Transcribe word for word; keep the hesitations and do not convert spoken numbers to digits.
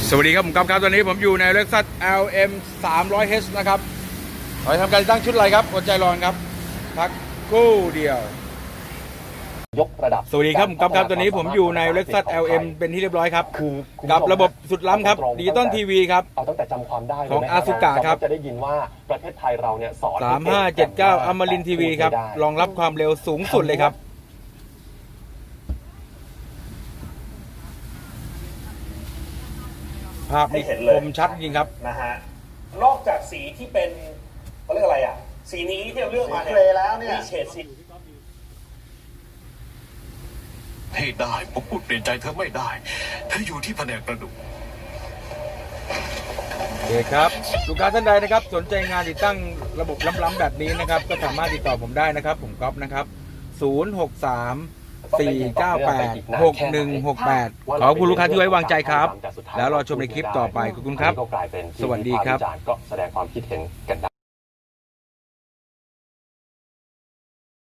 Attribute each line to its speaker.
Speaker 1: สวัสดีครับผมก๊อฟครับตอนนี้ผมอยู่ใน Lexus แอล เอ็ม สามร้อยเอช นะครับเราจะทำการติดตั้งชุดอะไรครับอดใจรอครับพักครู่เดียวย
Speaker 2: กระดับ
Speaker 1: สวัสดีครับผมก๊อฟครับตอนนี้ผมอยู่ใน Lexus แอล เอ็ม เป็นที่เรียบร้อยครับคือกับระบบสุดล้ำครับดิจิตอลทีวีครับ
Speaker 2: เอาตั้งแต่จำความได้
Speaker 1: ของอาซุกะครับ
Speaker 2: จะได้ยินว่าประเทศไทยเราเนี่ยสอน
Speaker 1: สามห้าเจ็ดเก้าอมรินทร์ทีวีครับรองรับความเร็วสูงสุดเลยครับภาพนี้คมชัดจริงครับ
Speaker 3: นะฮะนอกจากสีที่เป็นเขาเรียกอะไรอ่ะสีนี้ที่เราเลือกมาเนี่ยแล้วเนี่ยมีเฉดสี
Speaker 4: ให้ได้ผมพูดเปลี่ยนใจเธอไม่ได้เธออยู่ที่แผนกประดุก
Speaker 1: โอเคครับลูกค้าท่านใดนะครับสนใจงานติดตั้งระบบล้ำๆแบบนี้นะครับก็สามารถติดต่อผมได้นะครับผมก๊อฟนะครับศูนย์ หก สาม สี่ เก้า แปด หก หนึ่ง หก แปดขอบคุณลูกค้าที่ไว้วางใจครับแล้วรอชมในคลิปต่อไปขอบคุณครับสวัสดีครับ
Speaker 2: ก็แสดงความคิดเห็นกันได้